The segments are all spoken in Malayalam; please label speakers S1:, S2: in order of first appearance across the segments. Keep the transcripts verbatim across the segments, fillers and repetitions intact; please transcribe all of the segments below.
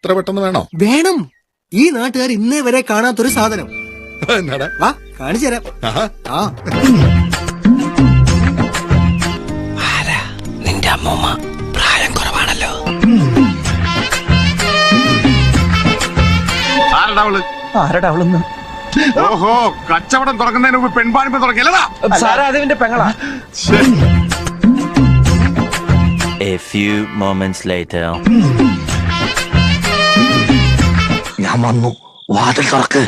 S1: ഇത്ര പെട്ടെന്ന് വേണോ?
S2: വേണം. ഈ നാട്ടുകാർ ഇന്നേ വരെ കാണാത്തൊരു സാധനം.
S1: എന്നാടാ?
S2: വാ കാണിച്ചു തരാം. ആ
S3: നിന്റെ അമ്മൂമ്മ പ്രായം കുറവാണല്ലോ.
S4: ആരടാ അവളൊന്ന്?
S5: ഓഹോ, കച്ചവടം തുറക്കുന്നതിന് മുമ്പ് പെൺപാണിപ്പ് തുറക്കില്ലടാ.
S4: സാറാ അതിന്റെ പെങ്ങളാ.
S6: A few moments later.
S3: ഞാൻ വന്നു, വാതിൽ തുറക്ക്.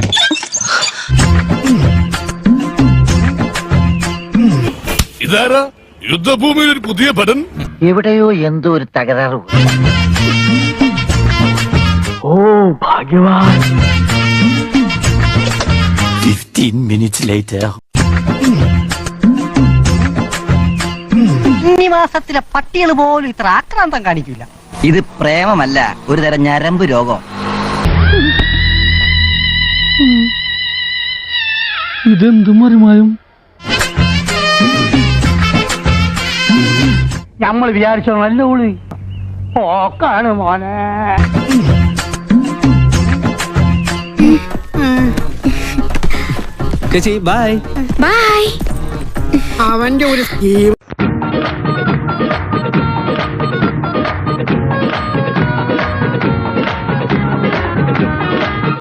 S1: ഇതാരാ? യുദ്ധഭൂമിയിൽ ഒരു പുതിയ ഭടൻ.
S7: എവിടെയോ എന്തോ ഒരു തകരാറ്. ഓ ഭാഗ്യവാൻ.
S6: Fifteen minutes later.
S7: മാസത്തിലെ പട്ടികൾ പോലും ഇത്ര ആക്രാന്തം കാണിക്കില്ല. ഇത് പ്രേമമല്ല, ഒരു തരം ഞരമ്പ് രോഗം.
S8: ഇതെന്തു മറിമായും?
S7: നമ്മൾ വിചാരിച്ചോ നല്ല ഉള്ളി ഓക്കാണ് മോനെ.
S4: Bye
S9: bye.
S2: അവന്റെ ഒരു